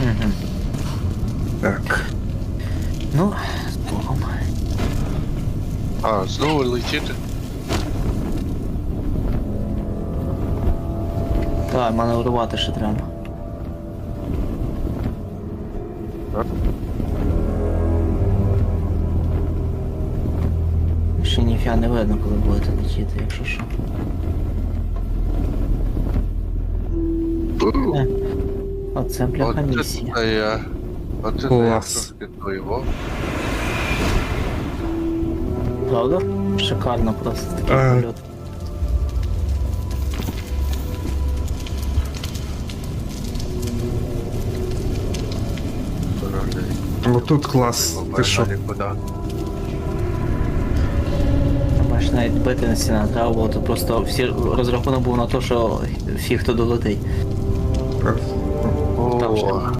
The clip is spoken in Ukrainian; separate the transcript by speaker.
Speaker 1: Угу.
Speaker 2: Так.
Speaker 1: Ну, з Богом.
Speaker 3: А, знову летіти?
Speaker 1: Так, маневрувати ще треба.
Speaker 3: Так.
Speaker 1: Ще ніфіга не видно, коли будете летіти, якщо що. Оце бляха місія.
Speaker 3: Оце я. Оце я
Speaker 2: Клас.
Speaker 3: трошки то його.
Speaker 1: Правда? Шикарно просто такий польот.
Speaker 2: Ну тут клас. Ти що?
Speaker 3: Куди?
Speaker 1: Бач, навіть бити на стіна треба було, то просто всі розрахунок був на те, що фіг хто долетить.
Speaker 2: Так.
Speaker 1: Там ще
Speaker 3: О,